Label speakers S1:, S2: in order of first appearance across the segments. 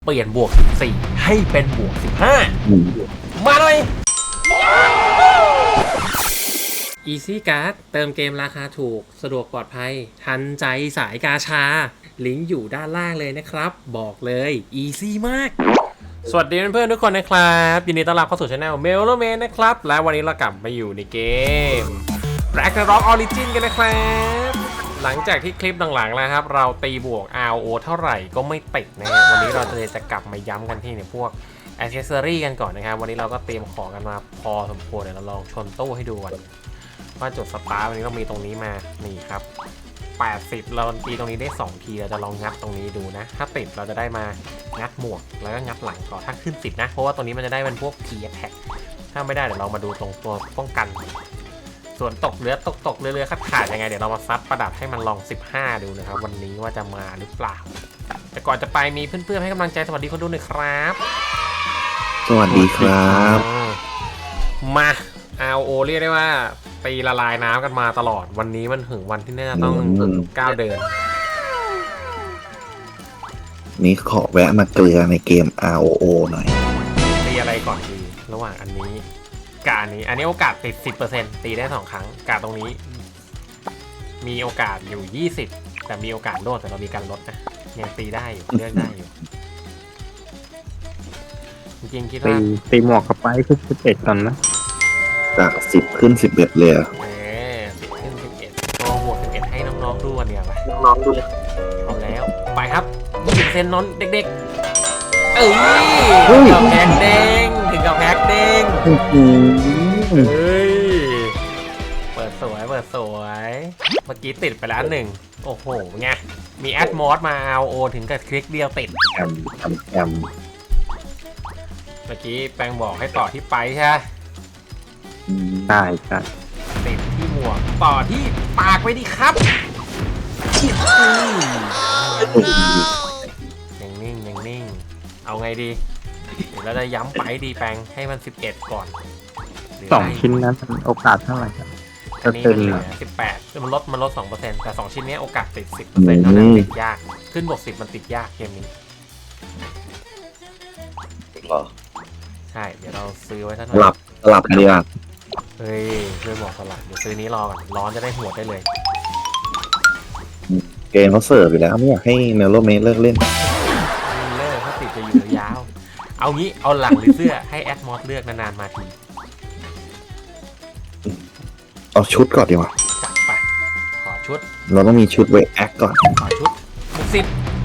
S1: เปลี่ยนบวก14ให้เป็นบวก15มาเลย Easy Card เติมเกมราคาถูกสะดวกปลอดภัยทันใจสายกาชาลิงก์อยู่ด้านล่างเลยนะครับบอกเลย Easy มากสวัสดีเพื่อนๆทุกคนนะครับยินดีต้อนรับเข้าสู่ช่อง Meloman นะครับและวันนี้เรากลับมาอยู่ในเกม Ragnarok Origin กันนะครับหลังจากที่คลิปหลังๆแล้วครับเราตีบวก RO เท่าไหร่ก็ไม่ติดนะวันนี้เราจะกลับมาย้ำกันที่ในพวก Accessory กันก่อนนะครับวันนี้เราก็เตรียมของกันมาพอสมควรเดี๋ยวเราลองชนตู้ให้ดูกันว่าจุดสตาร์ทวันนี้เรามีตรงนี้มานี่ครับ80เราตีตรงนี้ได้2ทีเราจะลองงัดตรงนี้ดูนะถ้าติดเราจะได้มางัดหมวกแล้วก็งัดหลังก่อนถ้าขึ้น10นะเพราะว่าตรงนี้มันจะได้เป็นพวก Key Attack ถ้าไม่ได้เดี๋ยวเรามาดูตรงตัวป้องกันส่วนตกเรือขาดยังไงเดี๋ยวเรามาซัดประดับให้มันลอง15ดูนะครับวันนี้ว่าจะมาหรือเปล่าแต่ก่อนจะไปมีเพื่อนๆให้กำลังใจสวัสดีคนดูหน่อยครับ
S2: สวัสดีครับ
S1: มา RO เรียกได้ว่าตีละลายน้ำกันมาตลอดวันนี้มันถึงวันที่น่าจะต้องก้าวเดิน
S2: นี่ขอแวะมาเกลือในเกม ROO หน่อย
S1: ตีอะไรก่อนดีระหว่างอันนี้กับอันนี้โอกาสติด 10% ตีได้2ครั้งกาตรงนี้มีโอกาสอยู่20แต่มีโอกาสโดดแต่เรามีการลดนะยังตีได้อยู่เลือกได้อยู่จริงๆคิดว่า
S3: ตีหมวกกับไปขึ้น11ตอนนะ
S2: จาก10ขึ้น11เลย
S1: 10ขึ้น11ก็บวก11ให้น้องๆดูวันเดียวไปน้องๆดูเอาแล้วไปครับ20%น้องเด็กๆถึงกับแพ็กเด้งเฮ้ยเปิดสวยเมื่อกี้ติดไปแล้ว1โอ้โหไงมีแอดมอสมาเอาโอถึงกับคลิกเดียวติด
S2: แอม
S1: เมื่อกี้แปงบอกให้ต่อที่ไปใช่ไหม
S3: ใช่
S1: ติดที่หมวกต่อที่ปากไว้ดิครับยังนิ่งเอาไงดีเดี๋ยวเราจะย้ำไปดีแปงให้มัน11ก่อน
S3: 2ชิ้นนั้นโอกาสเท่าไหร่ครับ
S1: นี่มันเหลือ18มันลด 2% แต่2ชิ้นนี้โอกาสติด 10% เท่านั้นติดยากขึ้นบวก10มันติดยากเกมนี้ใช่เดี๋ยวเราซื้อไว้สักหน่อย
S2: สลับกันดีกว่า
S1: เฮ้ยเพื่อนบอกสลับเดี๋ยวซื้อนี้รอก่อนร้อนจะได้หัวได้เลย
S2: เกมเขาเสิร์ฟอยู่แล้วไม่อยากให้เมลโลเมสเลิกเล่น
S1: ถ้าติดจะอยู่ยาวเอางี้เอาหลังหรือเสื้อให้แอดมอสเลือกนานๆมาที
S2: เอาชุดก่อนดีกว่า
S1: จัดไปขอชุด
S2: เราต้องมีชุดไว้แอคก่อน
S1: ขอชุด60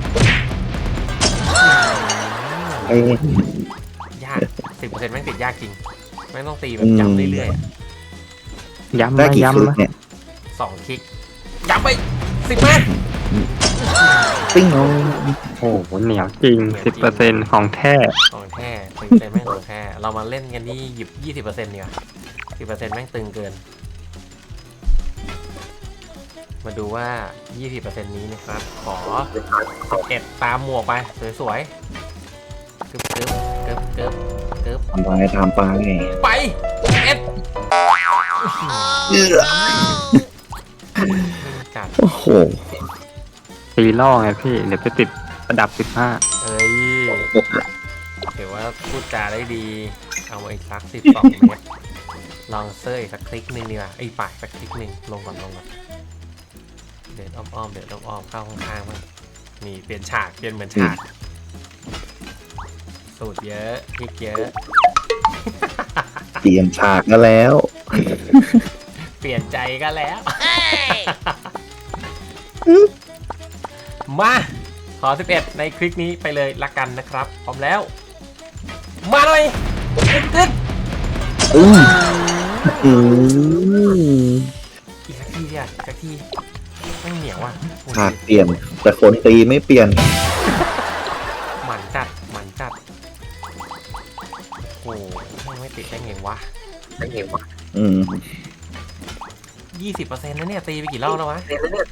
S1: ยาก 10% แม่งติดยากจริงแม่งต้องตีแบบย้ำเรื่อย
S3: ๆย้ำเนี่ย
S1: 2คลิกย้ำไป10 เมตร
S2: ปิ้งโ
S3: อ้โหเหนียวจริง 10% ของแท้
S1: 10%แม่งของแท้เรามาเล่นกันที่หยิบ 20% เนี่ย10% แม่งตึงเกินมาดูว่า 20% นี้นะครับขอ11ตามหมวกไปสวยๆกึบ
S2: ทำไป
S1: ไป11จัด
S2: โอ้โห
S3: ตีล่อไงพี่เดี๋ยวไปติดระดับ15
S1: ถือว่าพูดจาได้ดีเอาอีกสัก12เมตรลองเซอร์อีกสักคลิกนึงดีกว่าปากสักคลิกนึงลงก่อนเดินอ้อมเข้าข้างๆมั้งนี่เปลี่ยนฉากเหมือนฉากสูตรเยอะคลิกเยอะ
S2: เปลี่ยนฉากก็แล้ว
S1: เปลี่ยนใจก็แล้วมาขอ11ในคลิกนี้ไปเลยละกันนะครับพร้อมแล้วมาเลยตึ๊ดอีกสักทีไม่เหนียวอ่ะ
S2: ฉากเปลี่ยนแต่คนตีไม่เปลี่ยน
S1: หมันจัดโอ้ไม่ติดได้ไงวะ20%นะเนี่ยตีไปกี่รอบแล้ววะ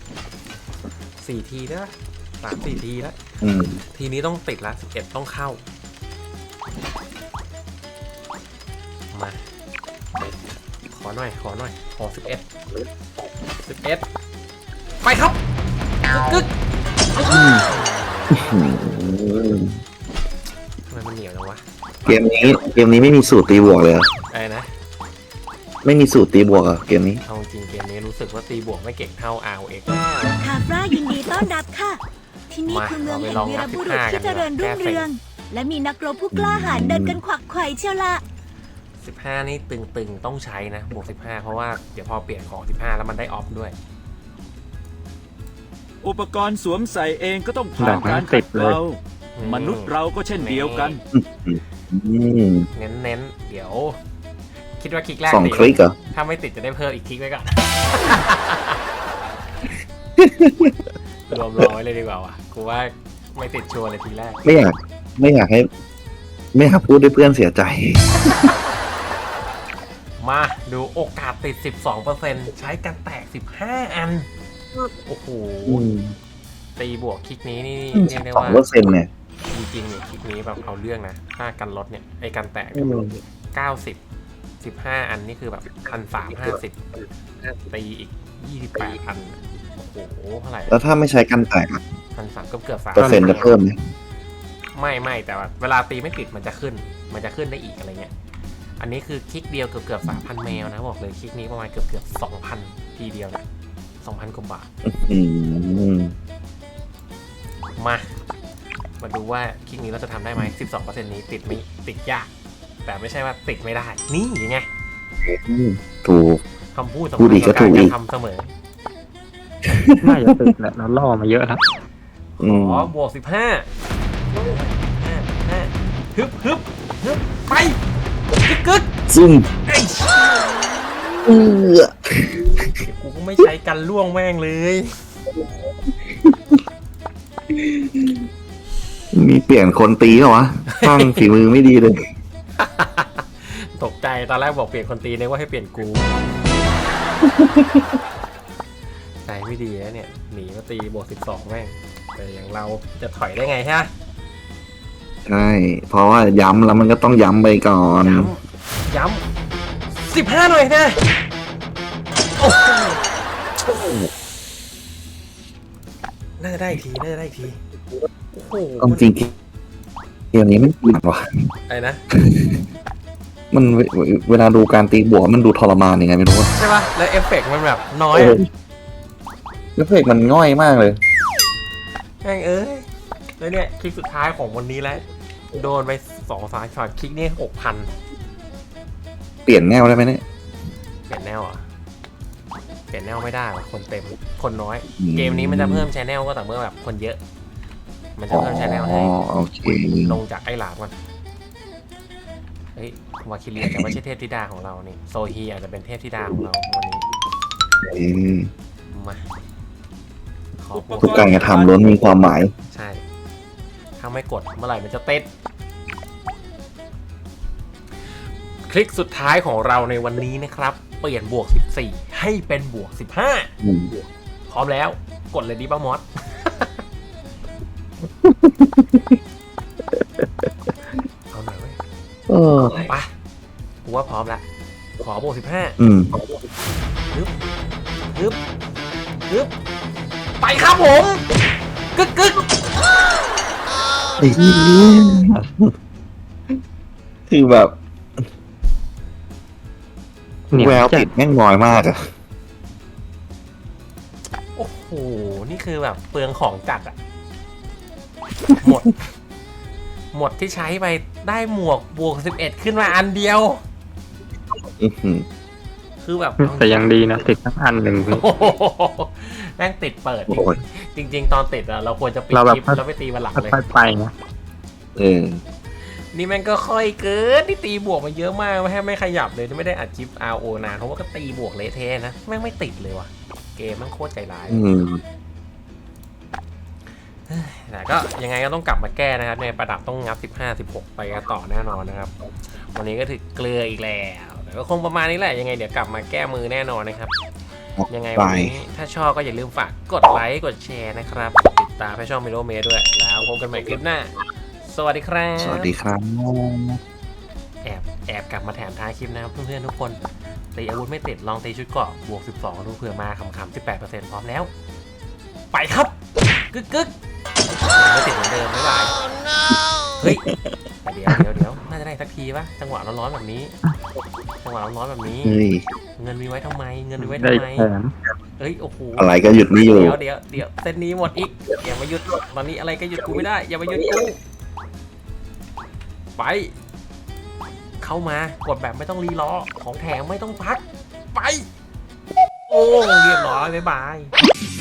S1: 4 ทีแล้ว3-4 ทีแล้วทีนี้ต้องติดละ11ต้องเข้ามาขอหน่อยขอ11ไปครับกึกมันเหนียวจังวะ
S2: เกมนี้ไม่มีสูตรตีบวกเลยเหรอ
S1: อะไรนะ
S2: ไม่มีสูตรตีบวกเหรอเกมนี้
S1: เอาจริงเกมนี้รู้สึกว่าตีบวกไม่เก่งเท่า ROX
S4: คาฟรายินดีต้อนรับค่ะ ที่นี่คือเมืองแห่งวีรบุรุษที่เจริญรุ่งเรือง และมีนักรบผู้กล้าหาญเดินกันขวักไขว่เชียวละ
S1: 15 นี่ตึงๆต้องใช้นะบวก15เพราะว่าเดี๋ยวพอเปลี่ยนของ15แล้วมันได้ออฟด้วย
S5: อุปกรณ์สวมใส่เองก็ต้องผ่านการขัดเกลามนุษย์เราก็เช่นเดียวกัน
S2: อืม
S1: เน้นๆ เดี๋ยว คิดว่าคลิกแรก
S2: 2
S1: ติด
S2: คลิกเหรอ
S1: ถ้าไม่ติดจะได้เพิ่มอีกคลิกไว้ก่อน รวมร้อยเลยดีกว่าว่ะกูว่าไม่ติดชัวร์เลยทีแรก
S2: ไม่อยากพูดด้วยเพื่อนเสียใจ
S1: มาดูโอกาสติด 12%ใช้กันแตก 15 อัน โอ้โห ตีบวกคลิกนี้นี่เรียกได้ว่า
S2: 2%เนี่ย
S1: จริงๆเนี่ยคลิกนี้แบบเอาเรื่องนะถ้ากันลดเนี่ยไอ้กันแตก 90 15 อันนี่คือแบบ1,350ตีอีก 28 อัน โอ้โหเท่าไหร่
S2: แล้วถ้าไม่ใช้กันแตกอะ
S1: 1,300เกือบ3
S2: เปอร์เซ็นต์จะเพิ่มไหม
S1: ไม่แต่ว่าเวลาตีไม่ติดมันจะขึ้นได้อีกอะไรเงี้ยอันนี้คือคลิกเดียวเกือบ 3,000 แมวนะบอกเลยคลิกนี้ประมาณเกือบ 2,000 ทีเดียวนะ 2,000 กว่าบาท
S2: อืม
S1: มาดูว่าคลิกนี้เราจะทำได้ไหม 12% นี้ติดยาก แต่ไม่ใช่ว่าติดไม่ได้ นี่ยังไง
S2: ถูก
S1: คำพูดสำ
S2: พู
S1: คั
S2: ด
S1: ญ
S2: อีกก็
S1: กับ
S2: ถู
S1: การ
S2: กอีก
S1: ทำเสมอ
S3: น่าจะติดแหละเราล่อมาเยอะแล้ว
S2: อืม
S1: อ๋อบวก 15 ฮึบไปกึก
S2: ซึ่ง
S1: เอ้ย
S2: เออ
S1: กูก็ไม่ใช้กันล่วงแม่งเลย
S2: มีเปลี่ยนคนตีเหรอวะตั้งฝีมือไม่ดีเลย
S1: ตกใจตอนแรกบอกเปลี่ยนคนตีนึกว่าให้เปลี่ยนกู ใจไม่ดีแล้วเนี่ยหนีมาตีบวก 12 แม่งแต่อย่างเราจะถอยได้ไงฮะ
S2: ใช่ เพราะว่าย้ำแล้วมันก็ต้องย้ำไปก่อน
S1: ย้ำ15 หน่อยนะโอ้โหน่าจะได้อีกทีโอ้โห
S2: เอาจริงเกมนี้ไม่เปลี่ยนว่ะ
S1: อะไรนะ
S2: มันเวลาดูการตีบวกมันดูทรมานยังไงไม่รู้ว่า
S1: ใช่ป่ะแล้วเอฟเฟกต์มันแบบน้อยอะ
S2: แล้วเพลงมันง่อยมากเลย
S1: แม่งแล้วเนี่ยคลิกสุดท้ายของวันนี้แล้วโดนไป2-3 ช็อตคลิกนี่ 6,000
S2: เปลี่ยนแนวได้ไหมเนี่ย
S1: เปลี่ยนแนวอ่ะเปลี่ยนแนวไม่ได้ว่ะคนเต็มคนน้อย เกมนี้มันจะเพิ่มชแนลก็แต่เมื่อแบบคนเยอะ มันจะเพิ่มชแนลให้
S2: โอเค
S1: ลงจากไอ้หลามก่อนเฮ้ยวาคิเลียแต่ไม่ใช่เทพธิดาของเรานี่โซฮีอาจจะเป็นเทพธิดาของเราวันนี้
S2: อืม
S1: มาขอ
S2: ทุกการกระทำล้วนมีความหมาย
S1: ใช่ ถ้าไม่กดเมื่อไหร่มันจะติดคลิกสุดท้ายของเราในวันนี้นะครับ เปลี่ยนบวก 14 ให้เป็นบวก
S2: อืม
S1: 15 พร้อมแล้วกดเลยดิป้ามอส เอาหน่อยเว้ย
S2: เออ
S1: ไปกูว่าพร้อมละขอบวก 15
S2: อืม
S1: ฮึบไปครับผม กึก
S2: คือแบบ
S3: เหนียว
S2: แวว
S3: จั
S2: ติ
S3: ด
S2: ดแม่งน้อยมากอะ
S1: โอ้โห นี่คือแบบเปลืองของจัดอะหมดที่ใช้ไปได้หมวกบวก 11 ขึ้นมาอันเดียว
S2: อื้อหือ
S1: คือแบบ
S3: แต่ยังดีนะติดทั้งอันหนึ่งพี่
S1: โอ้โหแม่งติดเปิด
S2: โอ้ย
S1: จริง ๆ ตอนติดอะเราควรจะปิด
S3: เราแบบ
S1: คลิปแล้วไปตีวันหลังเลย
S3: ค่อยๆไปนะ
S2: เออ
S1: นี่แม่งก็ค่อยเกินที่ตีบวกมาเยอะมากไม่ขยับเลยไม่ได้อัดคลิป RO นานเพราะว่าก็ตีบวกเละเทะนะแม่งไม่ติดเลยว่ะเกมแม่งโคตรใจร้าย
S2: อืม
S1: แต่ก็ยังไงก็ต้องกลับมาแก้นะครับในประดับต้องงับ 15-16 ไปกันต่อแน่นอนนะครับ วันนี้ก็ถึงเกลืออีกแล้วแต่ก็คงประมาณนี้แหละยังไงเดี๋ยวกลับมาแก้มือแน่นอนนะครับ ยังไงวันนี้ถ้าชอบก็อย่าลืมฝากกดไลค์กดแชร์นะครับติดตามให้ช่องมิโลเมด้วยแล้วพบกันใหม่คลิปหน้าสวัสดีครับ
S2: สวัสดีครับ
S1: แอบกลับมาแถมท้ายคลิปนะครับเพื่อนๆทุกคนตีอาวุธไม่ติดลองตีชุดเกราะบวก 12 ดูเผื่อมาขำๆ 18% พร้อมแล้ว ไปครับ กึกไม่ติดเหมือนเดิมบ๊ายบายเฮ้ยเดี๋ยวน่าจะได้สักทีปะจังหวะร้อนๆแบบนี้ เ
S2: เฮ้ย
S1: งินมีไว้ทำไม
S3: ได้แถม
S1: เอ้ยโอ้โห
S2: อะไรก็หยุดไม่อยู่
S1: เดี๋ยวเส้นนี้หมดอีกอย่ามาหยุดตอนนี้อะไรก็หยุดกูไม่ได้อย่ามาหยุดกูไป เข้ามากดแบบไม่ต้องรีรอของแถมไม่ต้องพักไป โอ้เรียบร้อยบ๊ายบาย